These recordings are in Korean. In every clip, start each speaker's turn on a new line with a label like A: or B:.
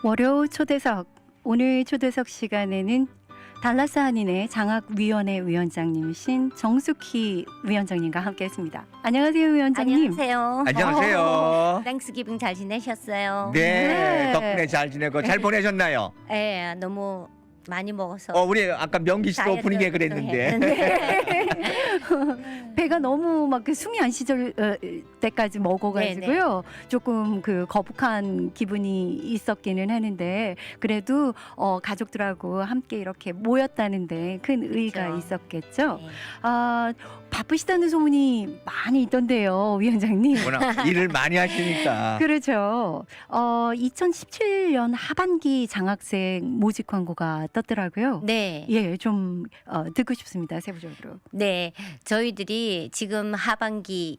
A: 월요 초대석, 오늘 초대석 시간에는 달라스 한인회 장학위원회 위원장님이신 정숙희 위원장님과 함께했습니다. 안녕하세요, 위원장님.
B: 안녕하세요.
C: 안녕하세요.
B: 땡스기빙 잘 지내셨어요?
A: 네.
C: 네, 덕분에 잘 지내고 잘 보내셨나요?
B: 네, 너무 많이 먹어서.
C: 우리 아까 명기 씨도
B: 다이어트
C: 오프닝에 그랬는데.
A: 배가 너무 막 그 숨이 안 쉬질 때까지 먹어가지고요. 조금 그 거북한 기분이 있었기는 하는데 그래도 가족들하고 함께 이렇게 모였다는데 큰 의의가
B: 그렇죠.
A: 있었겠죠.
B: 네.
A: 아, 바쁘시다는 소문이 많이 있던데요, 위원장님.
C: 워낙 일을 많이 하시니까.
A: 그렇죠. 2017년 하반기 장학생 모집 광고가 떴더라고요.
B: 네.
A: 예, 좀 듣고 싶습니다. 세부적으로.
B: 네. 저희들이 지금 하반기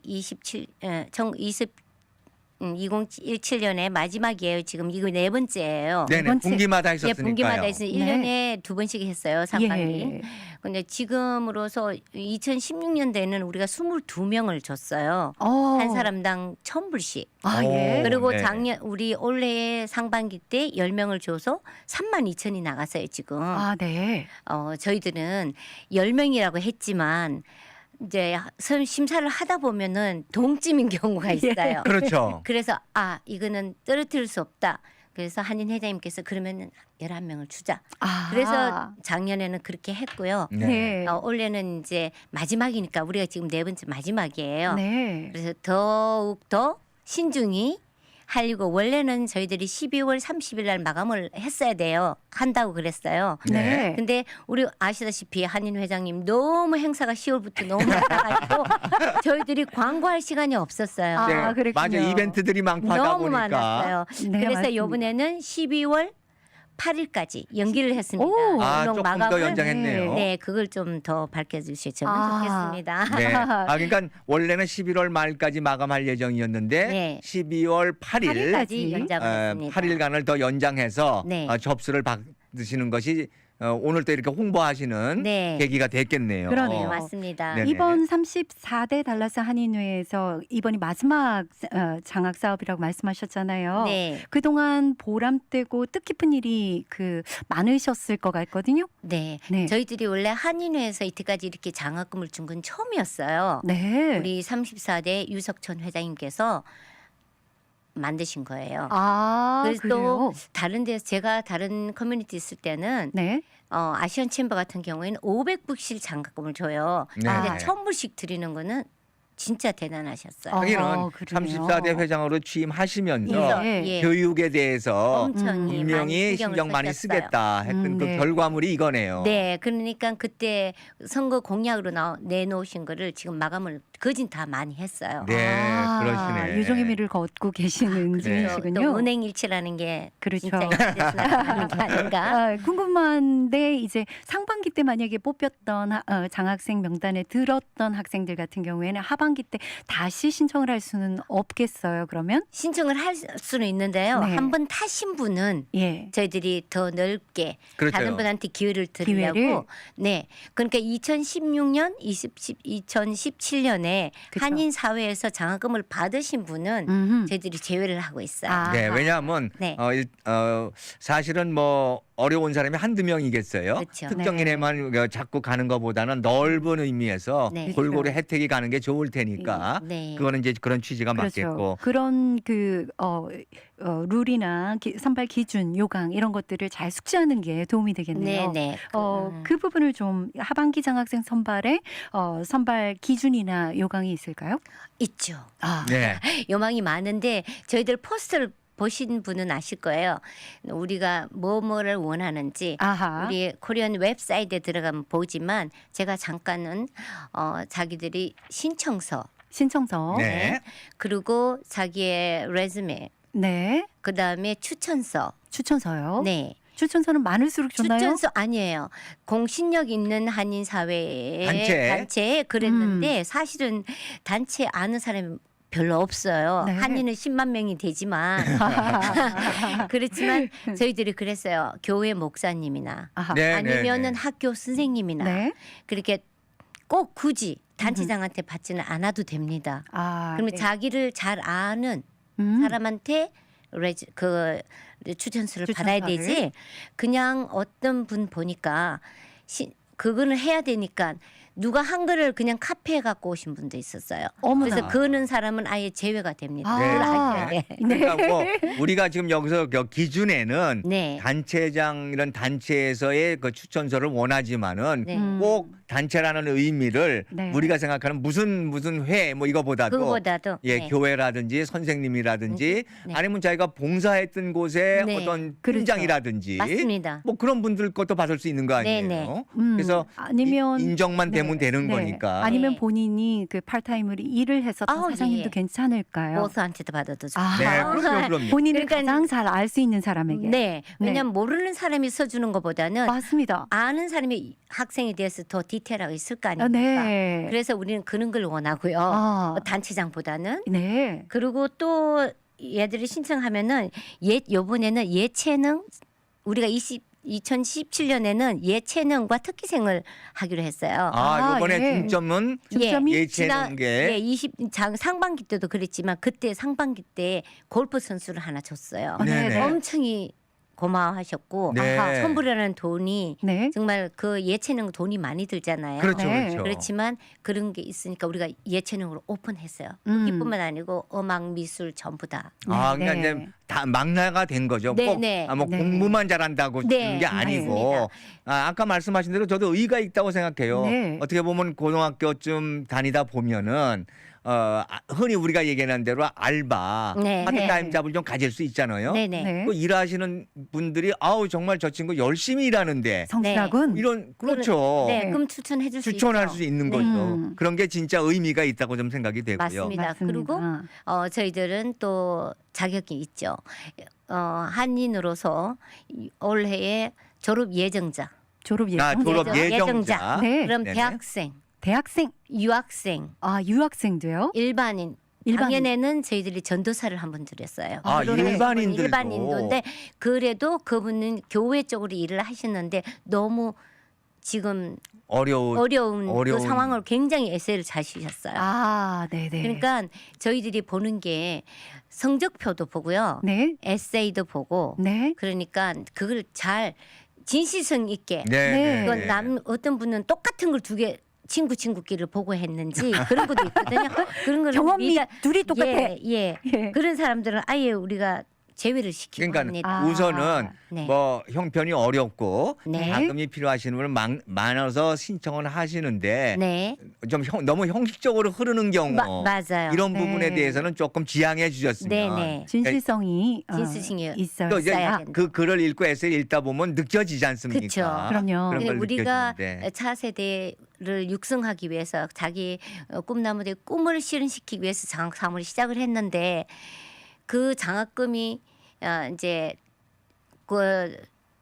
B: 2017년에 마지막이에요. 지금 이거 네 번째예요.
C: 네네,
A: 번째.
C: 분기마다
B: 예,
C: 했었으니까요.
B: 분기마다 해서 1년에 두 번씩 했어요. 상반기.
A: 예.
B: 근데 지금으로서 2016년도에는 우리가 22명을 줬어요. 한 사람당 1,000불씩.
A: 아,
C: 오.
A: 예.
B: 그리고
C: 네.
B: 작년 우리 올해 상반기 때 10명을 줘서 32,000이 나갔어요, 지금.
A: 아, 네.
B: 저희들은 10명이라고 했지만 이제 심사를 하다 보면은 동점인 경우가 있어요.
C: 그렇죠.
B: 그래서 이거는 떨어뜨릴 수 없다. 그래서 한인 회장님께서 그러면은 11명을 주자.
A: 아.
B: 그래서 작년에는 그렇게 했고요.
A: 네.
B: 올해는 이제 마지막이니까 우리가 지금 네 번째 마지막이에요.
A: 네.
B: 그래서 더욱 더 신중히 하려고 원래는 저희들이 12월 30일 날 마감을 했어야 돼요. 한다고 그랬어요.
A: 네.
B: 근데 우리 아시다시피 한인 회장님 너무 행사가 10월부터 너무 많아가지고 저희들이 광고할 시간이 없었어요.
A: 아,
C: 네,
A: 그랬군요.
C: 맞아, 이벤트들이 많고 하다
B: 너무
C: 보니까.
B: 많았어요.
A: 네,
B: 그래서
A: 맞습니다.
B: 이번에는 12월 8일까지 연기를 했습니다.
A: 오.
B: 운동
C: 조금 더 연장했네요.
B: 네, 그걸 좀 더 밝혀주시면 좋겠습니다.
C: 네. 그러니까 원래는 11월 말까지 마감할 예정이었는데
B: 네.
C: 12월 8일
B: 8일까지 연장을 했습니다.
C: 8일간을 더 연장해서
B: 네.
C: 접수를 받으시는 것이 오늘 또 이렇게 홍보하시는
B: 네.
C: 계기가 됐겠네요.
A: 그러네요.
B: 네, 맞습니다.
C: 네네.
A: 이번 34대 달라스 한인회에서 이번이 마지막 장학 사업이라고 말씀하셨잖아요.
B: 네.
A: 그동안 보람되고 뜻깊은 일이 많으셨을 것 같거든요.
B: 네.
A: 네.
B: 저희들이 원래 한인회에서 이때까지 이렇게 장학금을 준 건 처음이었어요.
A: 네.
B: 우리 34대 유석천 회장님께서 만드신 거예요.
A: 그래서
B: 그래서 또 다른 데서 제가 다른 커뮤니티 있을 때는
A: 네.
B: 아시안 챔버 같은 경우에는 500불씩 장학금을 줘요.
C: 네.
B: 근데 1,000불씩 드리는 거는 진짜 대단하셨어요.
A: 어,
C: 하기는
A: 그러네요.
C: 34대 회장으로 취임하시면서
A: 예.
B: 예.
C: 교육에 대해서
B: 엄청
C: 분명히 신경 많이 쓰겠다 했던 그
A: 네.
C: 결과물이 이거네요.
B: 네, 그러니까 그때 선거 공약으로 내놓으신 거를 지금 마감을 거진 다 많이 했어요.
C: 네, 그러시네.
A: 유종의 미를 걷고 계시는
C: 그렇죠.
A: 중이시군요.
B: 또 은행일치라는 게
A: 그렇죠.
B: 진짜 인터넷으로 게 아닌가?
A: 궁금한데 이제 상반기 때 만약에 뽑혔던 장학생 명단에 들었던 학생들 같은 경우에는 하반기 때 다시 신청을 할 수는 없겠어요. 그러면
B: 신청을 할 수는 있는데요.
A: 네.
B: 한 번 타신 분은
A: 예.
B: 저희들이 더 넓게
C: 그렇죠.
B: 다른 분한테 기회를 드리려고.
A: 기회를?
B: 네. 그러니까 2016년, 2017년에
A: 그쵸.
B: 한인 사회에서 장학금을 받으신 분은
A: 음흠.
B: 저희들이 제외를 하고 있어요.
C: 네,
A: 아하.
C: 왜냐하면
B: 네.
C: 사실은 뭐 어려운 사람이 한두 명이겠어요.
B: 그렇죠.
C: 특정인에만 자꾸 가는 것보다는 넓은 의미에서
B: 네.
C: 골고루 혜택이 가는 게 좋을 테니까
B: 네.
C: 그거는 이제 그런 취지가 맞겠고.
A: 그런 룰이나 선발 기준, 요강 이런 것들을 잘 숙지하는 게 도움이 되겠네요.
B: 네.
A: 그 부분을 좀 하반기 장학생 선발에 선발 기준이나 요강이 있을까요?
B: 있죠.
C: 네.
B: 요망이 많은데 저희들 포스터를 보신 분은 아실 거예요. 우리가 뭐를 원하는지
A: 아하.
B: 우리 코리안 웹사이트에 들어가면 보지만 제가 잠깐은 자기들이 신청서
A: 신청서.
C: 네.
B: 그리고 자기의 레즈메
A: 네.
B: 그다음에 추천서
A: 추천서요.
B: 네
A: 추천서는 많을수록 좋나요?
B: 추천서 아니에요. 공신력 있는 한인 사회의
C: 단체에?
B: 그랬는데 사실은 단체 아는 사람이 별로 없어요.
A: 네.
B: 한인은 10만 명이 되지만 그렇지만 저희들이 그랬어요. 교회 목사님이나
A: 아하.
C: 네,
B: 아니면은
C: 네.
B: 학교 선생님이나
A: 네.
B: 그렇게 꼭 굳이 단체장한테 받지는 않아도 됩니다.
A: 아,
B: 그러면
A: 네.
B: 자기를 잘 아는
A: 음.
B: 사람한테 추천서를
A: 추천서를.
B: 받아야 되지. 그냥 어떤 분 보니까 그거는 해야 되니까 누가 한글을 그냥 카피해 갖고 오신 분도 있었어요.
A: 어머나.
B: 그래서 그는 사람은 아예 제외가 됩니다.
A: 아.
B: 그걸 아셔야 돼.
C: 그러니까 뭐 우리가 지금 여기서 기준에는
B: 네.
C: 단체장 이런 단체에서의 그 추천서를 원하지만은
B: 네.
C: 꼭 단체라는 의미를
A: 네.
C: 우리가 생각하는 무슨 회 뭐 이거보다도
B: 그거보다도
C: 예,
B: 네.
C: 교회라든지 선생님이라든지
B: 네.
C: 아니면 자기가 봉사했던 곳의
B: 네.
C: 어떤
A: 그렇죠.
C: 팀장이라든지
B: 맞습니다.
C: 뭐 그런 분들 것도 받을 수 있는 거 아니에요.
B: 네, 네.
C: 그래서
A: 아니면
C: 인정만 되면 되는
A: 네.
C: 거니까.
A: 아니면
B: 네.
A: 본인이 그 파트타임으로 일을 했었던
B: 아우,
A: 사장님도
B: 예.
A: 괜찮을까요?
B: 보스한테도 받아도 좋고.
A: 아.
C: 네, 그럼요.
A: 본인을
B: 그러니까
A: 가장 잘 알 수 있는 사람에게.
B: 네. 왜냐면 모르는 사람이 써주는 것보다는
A: 맞습니다.
B: 아는 사람이 학생에 대해서 더 디테일하게 있을 거
A: 아,
B: 아닙니까?
A: 네.
B: 그래서 우리는 그런 걸 원하고요.
A: 아,
B: 단체장보다는.
A: 네.
B: 그리고 또 얘들이 신청하면은 요번에는 예체능 우리가 2017년에는 예체능과 특기생을 하기로 했어요.
C: 아, 이번에
A: 예.
C: 중점은
A: 중점이
C: 예체능계.
B: 예, 상반기 때도 그랬지만 그때 상반기 때 골프 선수를 하나 줬어요.
C: 네네.
B: 엄청이 고마워하셨고
C: 네.
B: 아하, 선불이라는 돈이
A: 네.
B: 정말 그 예체능 돈이 많이 들잖아요.
C: 그렇죠,
A: 네.
C: 그렇죠.
B: 그렇지만 그런 게 있으니까 우리가 예체능으로 오픈했어요.
A: 음.
B: 이뿐만 아니고 음악, 미술 전부 다.
C: 아,
A: 네,
C: 그러니까
A: 네.
C: 이제 다 망라가 된 거죠.
B: 네,
C: 꼭
B: 네.
C: 뭐
A: 네.
C: 공부만 잘한다고
B: 네,
C: 되는 게 아니고
B: 맞습니다.
C: 아까 말씀하신 대로 저도 의의가 있다고 생각해요.
A: 네.
C: 어떻게 보면 고등학교쯤 다니다 보면은 흔히 우리가 얘기하는 대로 알바,
B: 네,
C: 파트타임
B: 네.
C: 잡을 좀 가질 수 있잖아요.
B: 네네.
A: 네.
C: 그 일하시는 분들이 아우 정말 저 친구 열심히 일하는데
A: 성실하군.
C: 이런 그렇죠.
B: 네, 그럼 추천해 줄 수 있죠.
C: 추천할 수 있는
B: 네.
C: 거죠. 그런 게 진짜 의미가 있다고 좀 생각이 되고요.
B: 맞습니다. 그리고 저희들은 또 자격이 있죠. 한인으로서 올해의 졸업 예정자.
A: 졸업 예정.
C: 졸업
B: 예정-
C: 예정자.
A: 네.
B: 그럼
C: 네네.
B: 대학생,
A: 대학생.
B: 유학생,
A: 아, 유학생도요?
B: 일반인.
A: 일반인.
B: 작년에는 저희들이 전도사를 한 번 드렸어요.
C: 아,
B: 그러면
C: 일반인들도.
B: 일반인도인데 그래도 그분은 교회 쪽으로 일을 하시는데 너무 지금 어려운 그 상황을 굉장히 에세이를 잘 쓰셨어요.
A: 아, 네네.
B: 그러니까 저희들이 보는 게 성적표도 보고요.
A: 네.
B: 에세이도 보고
A: 네.
B: 그러니까 그걸 잘 진실성 있게
C: 네.
B: 그건 어떤 분은 똑같은 걸 두 개 친구끼리를 보고 했는지 그런 것도 있거든요. 그런 거는
A: 경험이 둘이 똑같아.
B: 예.
A: 예.
B: 그런 사람들은 아예 우리가 제외를 시키고
C: 그러니까
B: 합니다.
A: 아.
C: 우선은
B: 네.
C: 뭐 형편이 어렵고
B: 네.
C: 자금이 필요하시는 분은 많아서 신청을 하시는데
B: 네.
C: 좀 너무 형식적으로 흐르는 경우
B: 맞아요.
C: 이런
A: 네.
C: 부분에 대해서는 조금 지양해 주셨으면
B: 네네.
A: 진실성이
B: 진실성이
A: 있어요.
C: 또 이제
B: 있어야
C: 그 글을 읽고 에세이 읽다 보면 느껴지지 않습니까?
B: 그쵸.
A: 그럼요.
C: 그런 걸
B: 우리가
C: 느껴지는데.
B: 차세대를 육성하기 위해서 자기 꿈나무들의 꿈을 실현시키기 위해서 장학 사무를 시작을 했는데 그 장학금이 이제 그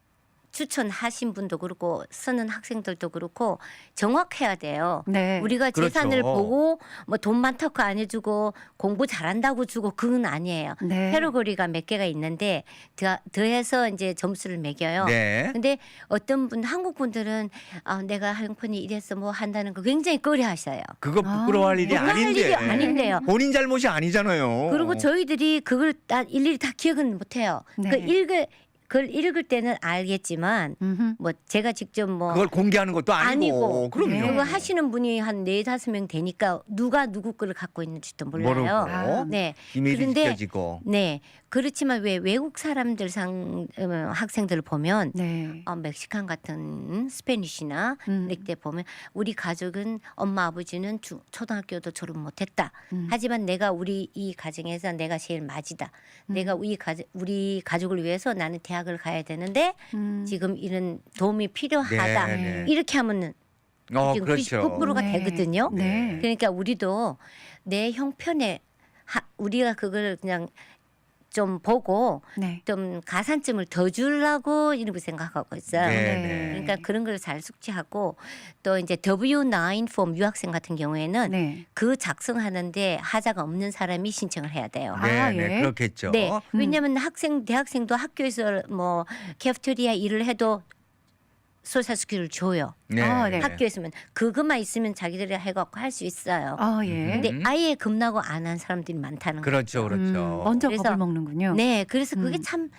B: 추천하신 분도 그렇고 쓰는 학생들도 그렇고 정확해야 돼요.
A: 네.
B: 우리가
C: 그렇죠.
B: 재산을 보고 뭐 돈 많다고 안 해주고 공부 잘한다고 주고 그건 아니에요.
A: 네.
B: 카테고리가 몇 개가 있는데 더해서 이제 점수를 매겨요.
C: 네.
B: 근데 어떤 분 한국 분들은 내가 형편이 이래서 뭐 한다는 거 굉장히 꺼려하셔요.
C: 그거 부끄러워할 일이
B: 부끄러워할
C: 아닌데.
B: 일이 아닌데요.
C: 본인 잘못이 아니잖아요.
B: 그리고 저희들이 그걸 다 일일이 다 기억은 못해요.
A: 네.
B: 그걸 읽을 때는 알겠지만
A: 음흠.
B: 뭐 제가 직접 뭐
C: 그걸 공개하는 것도 아니고. 그럼요.
A: 네.
B: 그거 하시는 분이 한 4-5명 되니까 누가 누구 거를 갖고 있는지도 몰라요.
C: 모르고
A: 아,
B: 네.
C: 비밀이
B: 그런데
C: 지켜지고.
B: 네. 그렇지만 왜 외국 사람들 학생들을 보면
A: 네.
B: 멕시칸 같은 스페니쉬나 이때 보면 우리 가족은 엄마 아버지는 초등학교도 졸업 못했다. 하지만 내가 우리 이 가정에서 내가 제일 맞이다. 내가 우리 가족을 위해서 나는 대학을 가야 되는데 지금 이런 도움이 필요하다.
C: 네, 네.
B: 이렇게 하면은 지금
C: 그렇죠.
B: 99%가
A: 네.
B: 되거든요.
A: 네.
B: 그러니까 우리도 내 형편에 우리가 그걸 그냥 좀 보고
A: 네.
B: 좀 가산점을 더 주려고 이렇게 생각하고 있어요.
C: 네.
B: 그러니까 그런 걸 잘 숙지하고 또 이제 W9 폼 유학생 같은 경우에는
A: 네.
B: 그 작성하는데 하자가 없는 사람이 신청을 해야 돼요.
A: 아,
C: 네,
A: 예.
C: 네, 그렇겠죠.
B: 네, 왜냐하면 대학생도 학교에서 뭐 캐프테리아 일을 해도 소셜스키를 줘요.
C: 네.
A: 아, 네.
B: 학교에서는 그것만 있으면 자기들이 해갖고 할 수 있어요.
A: 아, 예.
B: 근데 아예 겁나고 안 한 사람들이 많다는 거예요.
C: 그렇죠, 그렇죠.
A: 먼저
B: 그래서-
A: 겁을 먹는군요.
B: 네, 그래서 그게 참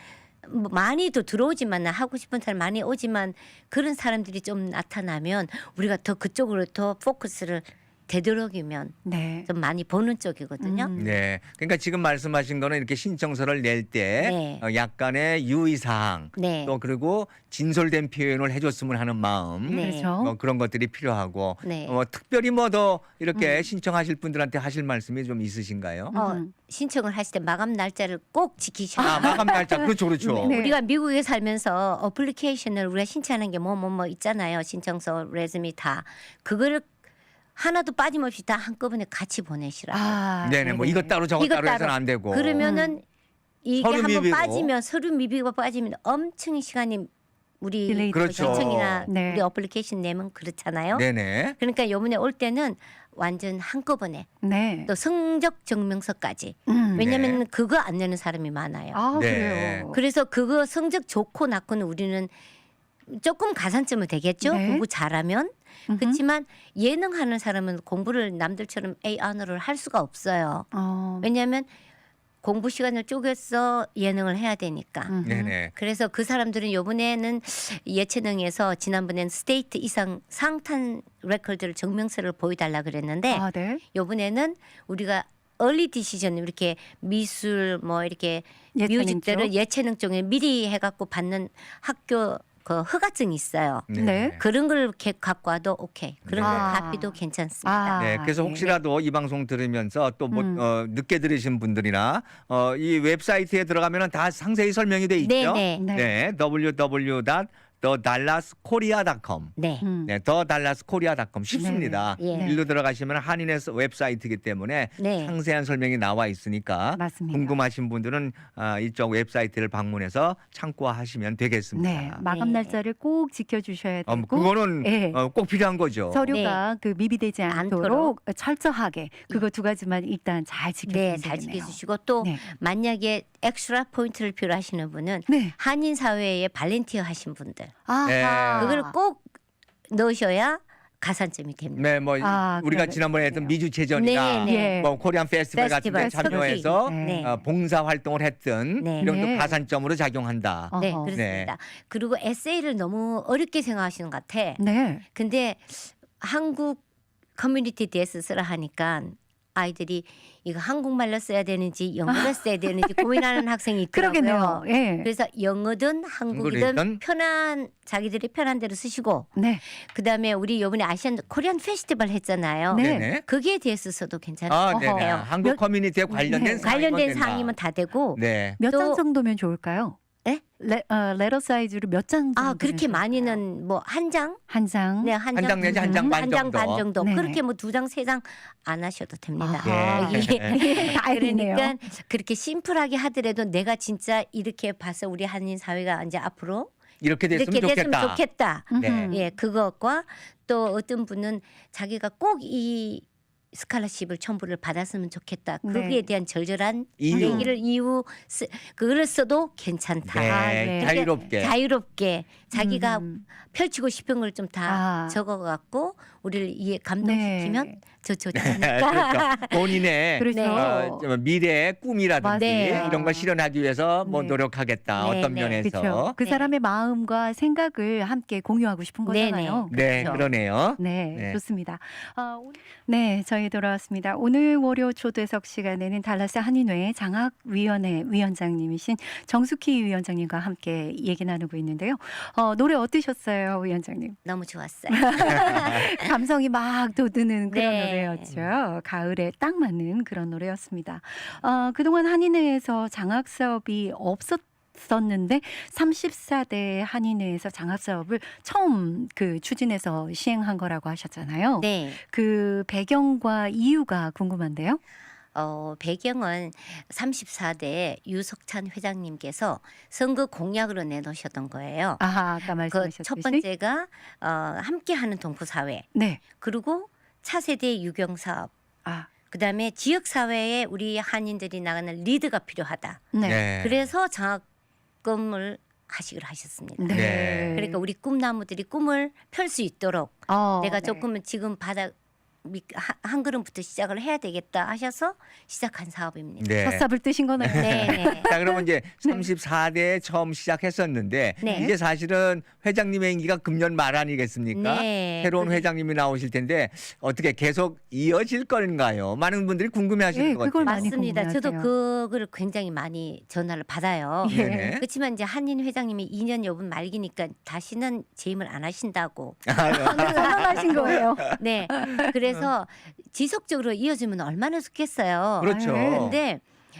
B: 뭐 많이도 들어오지만 하고 싶은 사람 많이 오지만 그런 사람들이 좀 나타나면 우리가 더 그쪽으로 더 포커스를 되도록이면
A: 네.
B: 좀 많이 보는 쪽이거든요.
C: 네. 그러니까 지금 말씀하신 거는 이렇게 신청서를 낼 때
B: 네.
C: 약간의 유의사항
B: 네.
C: 또 그리고 진솔된 표현을 해줬으면 하는 마음
B: 네.
A: 그렇죠.
C: 뭐 그런 것들이 필요하고
B: 네.
C: 특별히 뭐 더 이렇게 신청하실 분들한테 하실 말씀이 좀 있으신가요?
B: 신청을 하실 때 마감 날짜를 꼭 지키셔야
C: 아, 마감 날짜 그렇죠, 그렇죠.
A: 네.
B: 우리가 미국에 살면서 어플리케이션을 우리가 신청하는 게 뭐 있잖아요. 신청서, 레즈미 다 그거를 하나도 빠짐없이 다 한꺼번에 같이 보내시라.
A: 아,
C: 네네, 뭐
A: 네네.
C: 이것 따로 저것
B: 이것
C: 따로 해서는 안 되고.
B: 그러면은 이게
C: 서류
B: 한번
C: 미비로.
B: 빠지면 서류 미비가 빠지면 엄청 시간이 우리
A: 딜레이
C: 그렇죠.
B: 신청이나
A: 네.
B: 우리 어플리케이션 내면 그렇잖아요.
C: 네네.
B: 그러니까 요번에 올 때는 완전 한꺼번에
A: 네.
B: 또 성적 증명서까지. 왜냐하면
C: 네.
B: 그거 안 내는 사람이 많아요.
A: 아,
C: 네.
A: 그래요.
B: 그래서 그거 성적 좋고 낮고는 우리는 조금 가산점은 되겠죠.
A: 네.
B: 공부 잘하면. 그렇지만 예능하는 사람은 공부를 남들처럼 A 언어를 할 수가 없어요. 왜냐하면 공부 시간을 쪼개서 예능을 해야 되니까.
C: 네네.
B: 그래서 그 사람들은 이번에는 예체능에서 지난번에는 스테이트 이상 상탄 레코드를 증명서를 보여달라 그랬는데
A: 아, 네.
B: 이번에는 우리가 얼리 디시전 이렇게 미술 뭐 이렇게
A: 예체능
B: 뮤직들을
A: 쪽?
B: 예체능 쪽에 미리 해갖고 받는 학교 그 허가증이 있어요.
A: 네.
B: 그런 걸 이렇게 갖고 와도 오케이. 그런 걸
A: 아.
B: 값비도 괜찮습니다.
C: 네, 그래서
A: 예.
C: 혹시라도 이 방송 들으면서 또 뭐 늦게 들으신 분들이나 이 웹사이트에 들어가면은 다 상세히 설명이 돼 있죠.
B: 네, 네.
C: 네, www.thedallaskorea.com.
B: 네.
C: 네, thedallaskorea.com 쉽습니다.
B: 네. 예.
C: 일로 들어가시면 한인의 웹사이트이기 때문에
B: 네.
C: 상세한 설명이 나와 있으니까
A: 맞습니다.
C: 궁금하신 분들은 이쪽 웹사이트를 방문해서 참고하시면 되겠습니다.
A: 네. 마감
B: 네.
A: 날짜를 꼭 지켜주셔야 되고.
C: 그거는
A: 예.
C: 꼭 필요한 거죠.
A: 서류가 그 미비되지 않도록
B: 않도록.
A: 철저하게 그거 두 가지만 일단 잘 지켜주세요.
B: 네, 잘 지켜주시고 또
A: 네.
B: 만약에 엑스트라 포인트를 필요하시는 분은
A: 네.
B: 한인 사회에 발렌티어 하신 분들
A: 아하.
C: 네.
B: 그걸 꼭 넣으셔야 가산점이 됩니다.
C: 네, 뭐
A: 아,
C: 우리가
A: 그러네.
C: 지난번에 했던 미주체전이나
B: 네,
A: 네.
C: 뭐 코리안 페스티벌 같은 데
B: 페스티벌,
C: 참여해서
A: 서귀.
B: 네.
C: 봉사 활동을 했던
B: 네.
C: 이런
A: 네.
C: 또 가산점으로 작용한다.
B: 네,
A: 어허.
B: 그렇습니다. 그리고 에세이를 너무 어렵게 생각하시는 것 같아.
A: 네.
B: 근데 한국 커뮤니티 대해서 쓰라 하니까 아이들이 이거 한국말로 써야 되는지 영어로 써야 되는지 고민하는 학생이 있더라고요.
A: 그러겠네요. 예.
B: 그래서 영어든 한국이든
C: 한국이든
B: 편한 자기들이 편한 대로 쓰시고
A: 네.
B: 그다음에 우리 이번에 아시안 코리안 페스티벌 했잖아요.
A: 네.
C: 네네.
B: 거기에 대해서 써도 괜찮아요.
C: 아, 네네.
A: 어허.
C: 한국
A: 몇-
C: 커뮤니티에 관련된
A: 네.
C: 사항이면
B: 관련된
C: 된다.
B: 사항이면 다 되고
C: 네.
A: 몇 장
B: 또-
A: 정도면 좋을까요?
B: 네?
A: 레터 사이즈로 몇 장 정도?
B: 그렇게 많이는 뭐 한 장?
A: 한 장.
B: 네,
C: 한 장 내지 한 장 반
B: 한 장
C: 정도.
B: 반 정도.
A: 네네.
B: 그렇게 뭐 두 장, 세 장 안 하셔도 됩니다.
A: 아하.
C: 예.
B: 여기
A: 다행이네요.
B: 그러니까 그렇게 심플하게 하더라도 내가 진짜 이렇게 봐서 우리 한인 사회가 이제 앞으로
C: 이렇게 됐으면
B: 이렇게
C: 좋겠다.
B: 됐으면 좋겠다.
C: 네.
A: 음흠.
B: 예, 그것과 또 어떤 분은 자기가 꼭 이 스칼러십을 첨부를 받았으면 좋겠다.
A: 네.
B: 거기에 대한 절절한
C: 이유.
B: 얘기를 그걸 써도 괜찮다.
C: 네.
A: 아, 네.
C: 자유롭게.
B: 자유롭게 자기가
A: 음.
B: 펼치고 싶은 걸 좀 다
A: 아.
B: 적어갖고 우리를 이해 감동시키면
A: 네.
B: 저 좋지
C: 그렇죠.
B: 않을까.
C: 본인의
A: 그래서
B: 네.
C: 좀 미래의 꿈이라든지
B: 맞아요.
C: 이런 걸 실현하기 위해서 뭐
A: 네.
C: 노력하겠다.
B: 네,
C: 어떤
B: 네.
C: 면에서.
A: 그렇죠. 그
B: 네.
A: 사람의 마음과 생각을 함께 공유하고 싶은
B: 네네.
A: 거잖아요.
C: 네,
B: 그렇죠.
C: 그러네요.
A: 네,
C: 네.
A: 좋습니다. 네, 저희 돌아왔습니다. 오늘 월요 초대석 시간에는 달라스 한인회 장학위원회 위원장님이신 정숙희 위원장님과 함께 얘기 나누고 있는데요. 노래 어떠셨어요, 위원장님?
B: 너무 좋았어요.
A: 감성이 막 돋드는 그런
B: 네.
A: 노래였죠. 가을에 딱 맞는 그런 노래였습니다. 그동안 한인회에서 장학 사업이 없었는데 34대 한인회에서 장학 사업을 처음 추진해서 시행한 거라고 하셨잖아요.
B: 네.
A: 그 배경과 이유가 궁금한데요.
B: 배경은 34대 유석찬 회장님께서 선거 공약으로 내놓으셨던 거예요.
A: 아까
B: 그
A: 말씀하셨듯이.
B: 첫 번째가 함께하는 동포사회,
A: 네.
B: 그리고 차세대 유경사업,
A: 아,
B: 그다음에 지역사회에 우리 한인들이 나가는 리드가 필요하다.
A: 네.
C: 네.
B: 그래서 장학금을 하시기로 하셨습니다.
A: 네.
C: 네.
B: 그러니까 우리 꿈나무들이 꿈을 펼 수 있도록 내가
A: 네.
B: 조금은 지금 한 걸음부터 시작을 해야 되겠다 하셔서 시작한 사업입니다.
C: 네.
A: 첫 삽을 뜨신 거네요.
B: 네.
C: 자, 그러면 이제 34대에 처음 시작했었는데
B: 네.
C: 이제 사실은 회장님의 임기가 금년 말 아니겠습니까?
B: 네.
C: 새로운
B: 그게-
C: 회장님이 나오실 텐데 어떻게 계속 이어질 건가요? 많은 분들이 궁금해하시는
A: 네,
C: 것
A: 그걸
C: 같아요.
A: 많이
B: 맞습니다. 저도
A: 궁금해하세요.
B: 그거를 굉장히 많이 전화를 받아요.
A: 예.
C: 네네.
B: 그렇지만 이제 한인 회장님이 2년 여분 말기니까 다시는 재임을 안 하신다고.
A: 선언하신 거예요.
B: 네. 그래서 지속적으로 이어지면 얼마나 좋겠어요.
C: 그렇죠.
A: 네.
B: 근데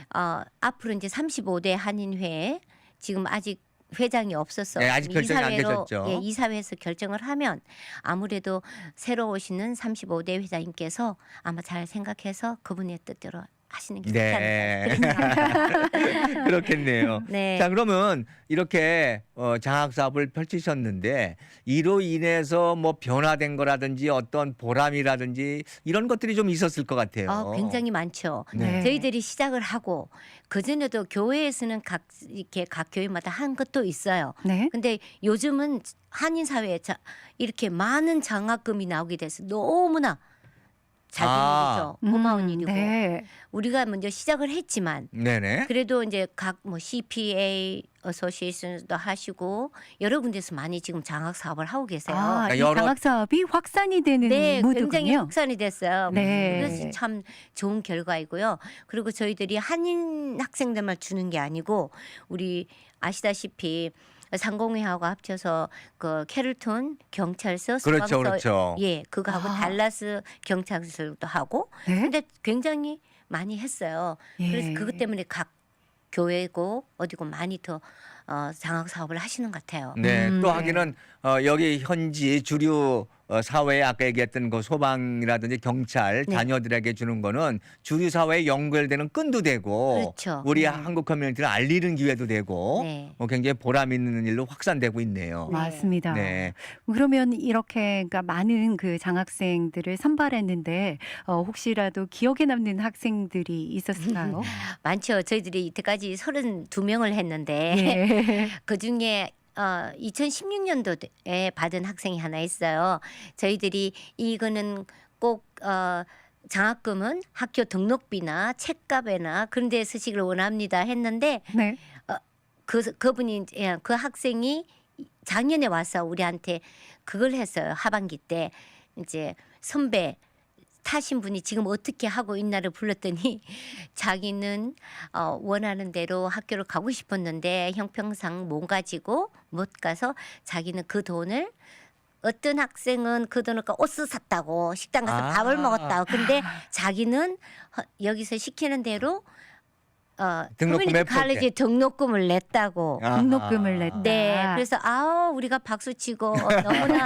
B: 앞으로 이제 35대 한인회 지금 아직 회장이 없었어.
C: 네, 아직 결정이 안 되셨죠.
B: 예, 이사회에서 결정을 하면 아무래도 새로 오시는 35대 회장님께서 아마 잘 생각해서 그분의 뜻대로 하시는 게 좋지
C: 네.
B: 않을까.
C: 그렇겠네요.
B: 네.
C: 자, 그러면 이렇게 장학 사업을 펼치셨는데 이로 인해서 뭐 변화된 거라든지 어떤 보람이라든지 이런 것들이 좀 있었을 것 같아요.
B: 굉장히 많죠.
C: 네.
B: 저희들이 시작을 하고 그 전에도 교회에서는 이렇게 각 교회마다 한 것도 있어요.
A: 네.
B: 근데 요즘은 한인 사회에 이렇게 많은 장학금이 나오게 돼서 너무나 잘 되는 거죠. 고마운 일이고
A: 네.
B: 우리가 먼저 시작을 했지만
C: 네네.
B: 그래도 이제 각 뭐 CPA 어소시에이션도 하시고 여러 군데서 많이 지금 장학 사업을 하고 계세요.
A: 아, 이
C: 여러-
A: 장학 사업이 확산이 되는
B: 네, 굉장히
A: 무드군요.
B: 확산이 됐어요.
A: 네.
B: 그래서 참 좋은 결과이고요. 그리고 저희들이 한인 학생들만 주는 게 아니고 우리 아시다시피 상공회하고 합쳐서 그 캐럴톤 경찰서
C: 그렇죠,
B: 소방서
C: 그렇죠.
B: 예, 그거하고
A: 아.
B: 달라스 경찰서도 하고
A: 네.
B: 근데 굉장히 많이 했어요.
A: 예.
B: 그래서 그것 때문에 각 교회고 어디고 많이 더 장학 사업을 하시는 것 같아요.
C: 네, 또
A: 네.
C: 하기는 여기 현지 주류 사회에 아까 얘기했던 그 소방이라든지 경찰
B: 네.
C: 자녀들에게 주는 거는 주류 사회에 연결되는 끈도 되고
B: 그렇죠.
C: 우리
A: 네.
C: 한국 커뮤니티를 알리는 기회도 되고
B: 네.
C: 굉장히 보람 있는 일로 확산되고 있네요.
B: 네.
A: 맞습니다.
C: 네.
A: 그러면 이렇게 그러니까 많은 그 장학생들을 선발했는데 혹시라도 기억에 남는 학생들이 있었을까요?
B: 많죠. 저희들이 이때까지 32명을 했는데
A: 예.
B: 그 중에 2016년도에 받은 학생이 하나 있어요. 저희들이 이거는 꼭 장학금은 학교 등록비나 책값에나 그런 데 쓰시길 원합니다 했는데
A: 네.
B: 그분이 그 학생이 작년에 와서 우리한테 그걸 했어요. 하반기 때 이제 선배 타신 분이 지금 어떻게 하고 있나를 불렀더니 자기는 원하는 대로 학교를 가고 싶었는데 형평상 못 가지고 못 가서 자기는 그 돈을 어떤 학생은 그 돈을 옷을 샀다고 식당 가서
C: 아.
B: 밥을 먹었다고 근데 자기는 여기서 시키는 대로
C: 등록금
B: 커뮤니티 칼리지 등록금을 냈다고
C: 아하.
A: 등록금을 냈다.
B: 네, 그래서 우리가 박수 치고 너무나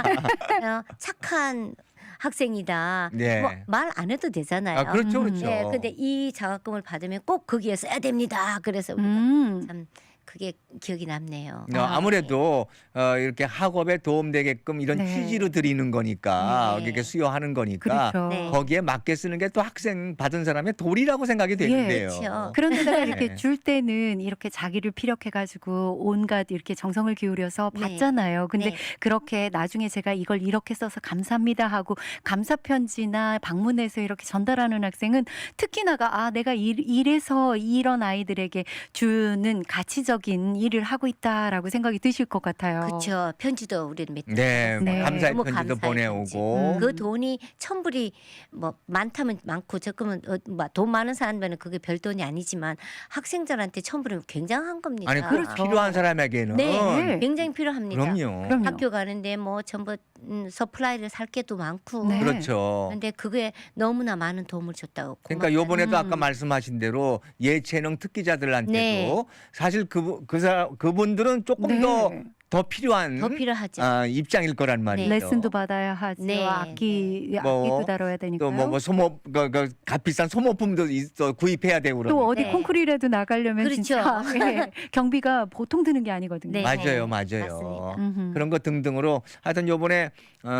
B: 착한 학생이다.
C: 네.
B: 뭐 말 안 해도 되잖아요.
C: 아, 그렇죠, 그렇죠.
B: 네, 근데 이 장학금을 받으면 꼭 거기에 써야 됩니다. 그래서 우리가 참 그게 기억이 남네요.
C: 아무래도 이렇게 학업에 도움되게끔 이런
A: 네.
C: 취지로 드리는 거니까
B: 네.
C: 이렇게 수여하는 거니까
A: 그렇죠.
B: 네.
C: 거기에 맞게 쓰는 게 또 학생 받은 사람의 도리라고 생각이 되는데요.
B: 그렇죠.
A: 그런데다가
C: 네.
A: 이렇게 줄 때는 이렇게 자기를 피력해가지고 온갖 이렇게 정성을 기울여서
B: 네.
A: 받잖아요. 근데
B: 네.
A: 그렇게 나중에 제가 이걸 이렇게 써서 감사합니다 하고 감사 편지나 방문해서 이렇게 전달하는 학생은 특히나가 내가 이래서 이런 아이들에게 주는 가치적인 일을 하고 있다라고 생각이 드실 것 같아요.
B: 그렇죠. 편지도 우리는 몇
C: 네,
A: 네.
C: 감사의
B: 너무
C: 편지도
B: 감사의
C: 보내오고.
B: 그 돈이 1,000불이 뭐 많다면 많고 적으면 돈 많은 사람들은 그게 별 돈이 아니지만 학생들한테 1,000불은 굉장한 겁니다.
C: 아니 그
A: 그렇죠.
C: 필요한 사람에게는
B: 네, 굉장히 필요합니다.
C: 그럼요.
A: 그럼요.
B: 학교 가는데 뭐 전부 서플라이를 살 게도 많고.
A: 네.
C: 그렇죠.
B: 근데 그게 너무나 많은 도움을 줬다고.
C: 그러니까
B: 고맙다는-
C: 요번에도 아까 말씀하신 대로 예체능 특기자들한테도
B: 네.
C: 사실 그분들은 조금
A: 네.
C: 더 필요한
B: 더 필요하죠.
C: 입장일 거란 말이죠.
A: 레슨도 받아야 하죠.
B: 네.
A: 악기도
C: 뭐,
A: 다뤄야 되니까요.
C: 또뭐 소모 값비싼 소모품도 구입해야 되고
A: 또
C: 그러니까.
A: 어디
B: 네.
A: 콩쿠리라도 나가려면
B: 그렇죠.
A: 진짜 예, 경비가 보통 드는 게 아니거든요.
B: 네.
C: 맞아요.
B: 맞습니다.
A: 음흠.
C: 그런 것 등등으로 하여튼 요번에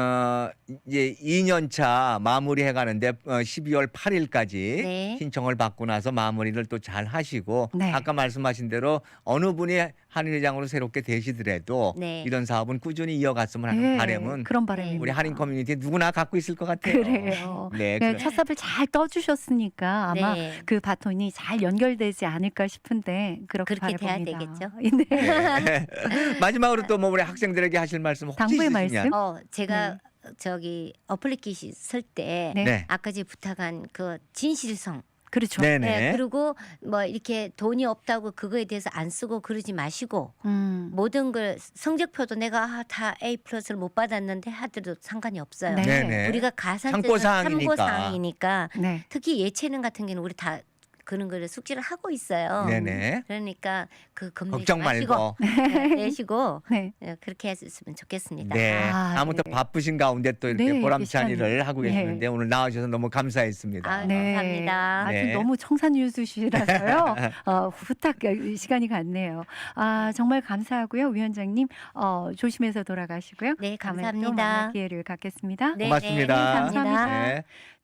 C: 이제 2년 차 마무리해 가는데 12월 8일까지
B: 네.
C: 신청을 받고 나서 마무리를 또 잘 하시고
A: 네.
C: 아까 말씀하신 대로 어느 분이 한인회장으로 새롭게 되시더라도 앞으로도
B: 네.
C: 이런 사업은 꾸준히 이어갔으면 하는
A: 네,
C: 바람은
A: 그런 바람입니다.
C: 우리 한인 커뮤니티 누구나 갖고 있을 것 같아요.
A: 그래요.
C: 네,
A: 네, 첫 삽을 잘 떠주셨으니까 아마
B: 네.
A: 그 바톤이 잘 연결되지 않을까 싶은데 그렇게
B: 그렇게 돼야
A: 바라봅니다.
B: 되겠죠.
A: 네.
C: 마지막으로 또 뭐 우리 학생들에게 하실 말씀 혹시
A: 당부의
C: 있으시면?
A: 말씀?
B: 제가 저기 어플리케이션 쓸 때
A: 네.
C: 네.
B: 아까 제가 부탁한 그 진실성.
A: 그렇죠.
C: 네네.
B: 그리고 뭐 이렇게 돈이 없다고 그거에 대해서 안 쓰고 그러지 마시고 모든 걸 성적표도 내가 다 A 플러스를 못 받았는데 하더라도 상관이 없어요.
A: 네.
C: 네네.
B: 우리가 가산점은
C: 참고사항이니까.
B: 참고사항이니까
A: 네.
B: 특히 예체능 같은 경우는 우리 다 그런 거를 숙지를 하고 있어요.
C: 네네.
B: 그러니까 그 겁내지
C: 걱정
B: 마시고
C: 말고.
B: 내시고
A: 네.
B: 그렇게 했으면 좋겠습니다.
C: 네.
A: 아,
C: 아무튼
A: 네.
C: 바쁘신 가운데 또 이렇게
A: 네,
C: 보람찬
A: 계시다니.
C: 일을 하고
A: 네.
C: 계시는데 오늘 나와주셔서 너무 감사했습니다.
B: 아,
A: 네.
B: 감사합니다.
A: 아주
C: 네.
A: 너무 청산유수시라서요. 후딱 시간이 갔네요. 아, 정말 감사하고요. 위원장님 조심해서 돌아가시고요.
B: 네,
A: 다음에 또
B: 감사합니다.
A: 만날 기회를 갖겠습니다.
B: 네,
C: 고맙습니다.
B: 네, 감사합니다.
C: 네.